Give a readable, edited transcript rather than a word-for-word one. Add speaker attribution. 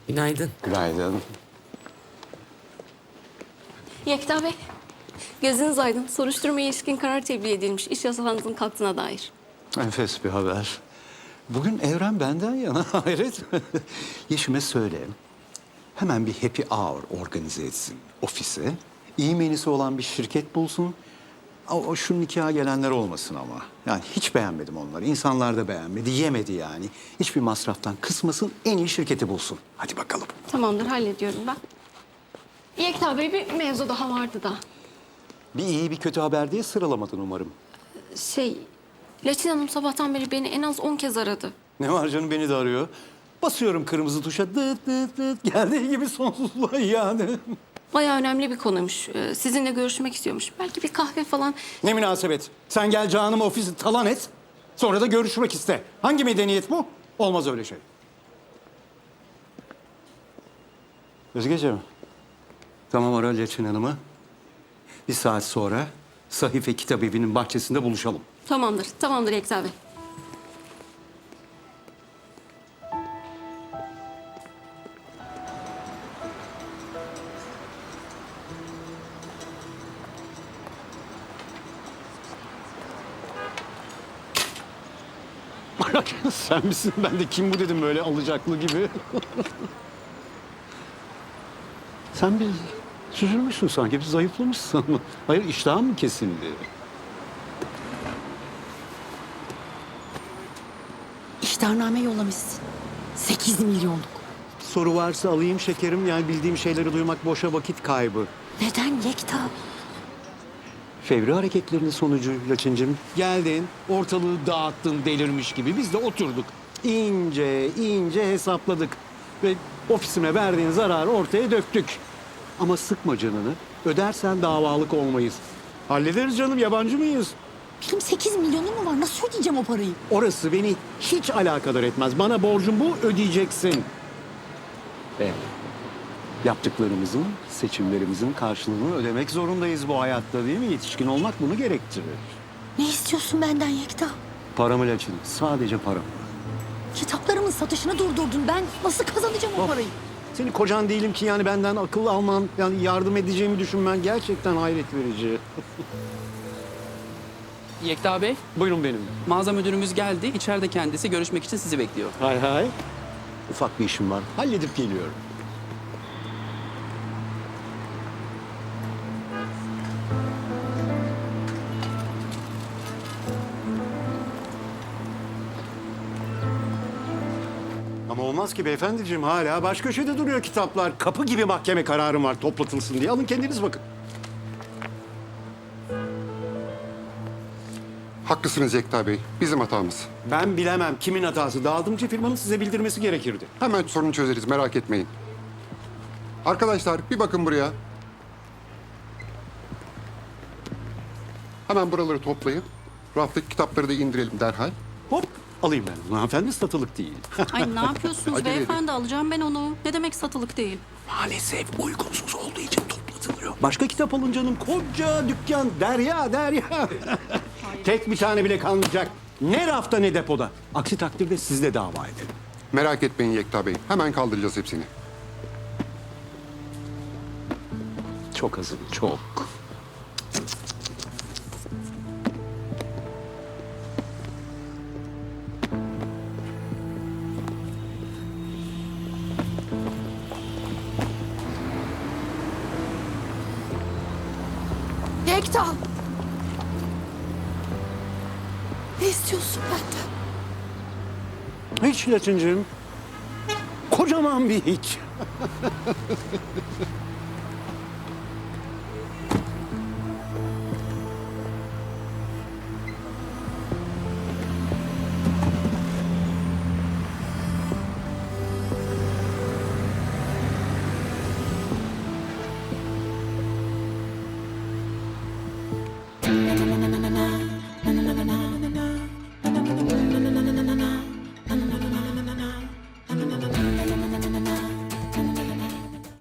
Speaker 1: Günaydın.
Speaker 2: Günaydın.
Speaker 3: Yekta Bey, gözünüz aydın. Soruşturmaya ilişkin karar tebliğ edilmiş. İş yasalarınızın kalktığına dair.
Speaker 2: Enfes bir haber. Bugün evren benden yana hayret. Yeşim'e söyle. Hemen bir happy hour organize etsin ofise. İyi menüsü olan bir şirket bulsun. O şu nikaha gelenler olmasın ama. Yani hiç beğenmedim onları. İnsanlar da beğenmedi, yemedi yani. Hiçbir masraftan kısmasın, en iyi şirketi bulsun. Hadi bakalım.
Speaker 3: Tamamdır, hallediyorum ben. Yekta Bey, bir mevzu daha vardı da.
Speaker 2: Bir iyi bir kötü haber diye sıralamadın umarım.
Speaker 3: Laçin Hanım sabahtan beri beni en az 10 kez aradı.
Speaker 2: Ne var canım, beni de arıyor. Basıyorum kırmızı tuşa, dıt dıt dıt. Geldiği gibi sonsuzluğa yani.
Speaker 3: Bayağı önemli bir konuymuş. Sizinle görüşmek istiyormuş. Belki bir kahve falan.
Speaker 2: Ne münasebet. Sen gel canım ofisi talan et. Sonra da görüşmek iste. Hangi medeniyet bu? Olmaz öyle şey. Özgeciğim. Tamam, ara Leçin Hanım'ı. Bir saat sonra Sahife Kitap Evi'nin bahçesinde buluşalım.
Speaker 3: Tamamdır, tamamdır Yekta Bey.
Speaker 2: Sen misin? Ben de kim bu dedim böyle alacaklı gibi. Sen bir süzülmüşsün sanki, bir zayıflamışsın. Hayır, iştahın mı kesildi?
Speaker 4: İhtarname yollamışsın. 8 milyonluk.
Speaker 2: Soru varsa alayım şekerim. Yani bildiğim şeyleri duymak boşa vakit kaybı.
Speaker 4: Neden Yekta?
Speaker 2: Fevri hareketlerinin sonucu Laçıncığım. Geldin, ortalığı dağıttın delirmiş gibi. Biz de oturduk. İnce ince hesapladık. Ve ofisime verdiğin zararı ortaya döktük. Ama sıkma canını. Ödersen davalık olmayız. Hallederiz canım, yabancı mıyız?
Speaker 4: Benim 8 milyonum mu var? Nasıl ödeyeceğim o parayı?
Speaker 2: Orası beni hiç alakadar etmez. Bana borcun bu, ödeyeceksin. Evet. Yaptıklarımızın, seçimlerimizin karşılığını ödemek zorundayız bu hayatta, değil mi? Yetişkin olmak bunu gerektirir.
Speaker 4: Ne istiyorsun benden Yekta?
Speaker 2: Paramı Laçın, sadece param.
Speaker 4: Kitaplarımın satışını durdurdun. Ben nasıl kazanacağım o parayı?
Speaker 2: Senin kocan değilim ki yani benden akıl alman, yani yardım edeceğimi düşünmen gerçekten hayret verici.
Speaker 1: Yekta Bey,
Speaker 2: Buyurun benim.
Speaker 1: mağaza müdürümüz geldi. İçeride kendisi görüşmek için sizi bekliyor.
Speaker 2: Hay hay. Ufak bir işim var. Halledip geliyorum. Ama olmaz ki beyefendiciğim, hala baş köşede duruyor kitaplar. Kapı gibi mahkeme kararım var toplatılsın diye. Alın kendiniz bakın.
Speaker 5: Haklısınız Yekta Bey. Bizim hatamız.
Speaker 2: Ben bilemem kimin hatası. Dağıtımcı firmanın size bildirmesi gerekirdi.
Speaker 5: Hemen sorunu çözeriz, merak etmeyin. Arkadaşlar bir bakın buraya. Hemen buraları toplayın. Raftaki kitapları da indirelim derhal.
Speaker 2: Hop, alayım ben onu. Hanımefendi, satılık değil.
Speaker 6: Ay ne yapıyorsunuz
Speaker 5: Acele
Speaker 6: beyefendi? Alacağım ben onu. Ne demek satılık değil?
Speaker 2: Maalesef uygunsuz olduğu için toplatılıyor. Başka kitap alın canım. Koca dükkan, derya derya. Tek bir tane bile kalmayacak. Ne rafta ne depoda. Aksi takdirde sizle dava edelim.
Speaker 5: Merak etmeyin Yekta Bey. Hemen kaldıracağız hepsini.
Speaker 2: Çok hazır, çok.
Speaker 4: Yekta! Ne istiyorsun benden?
Speaker 2: Hiç Laçıncığım. Kocaman bir hiç.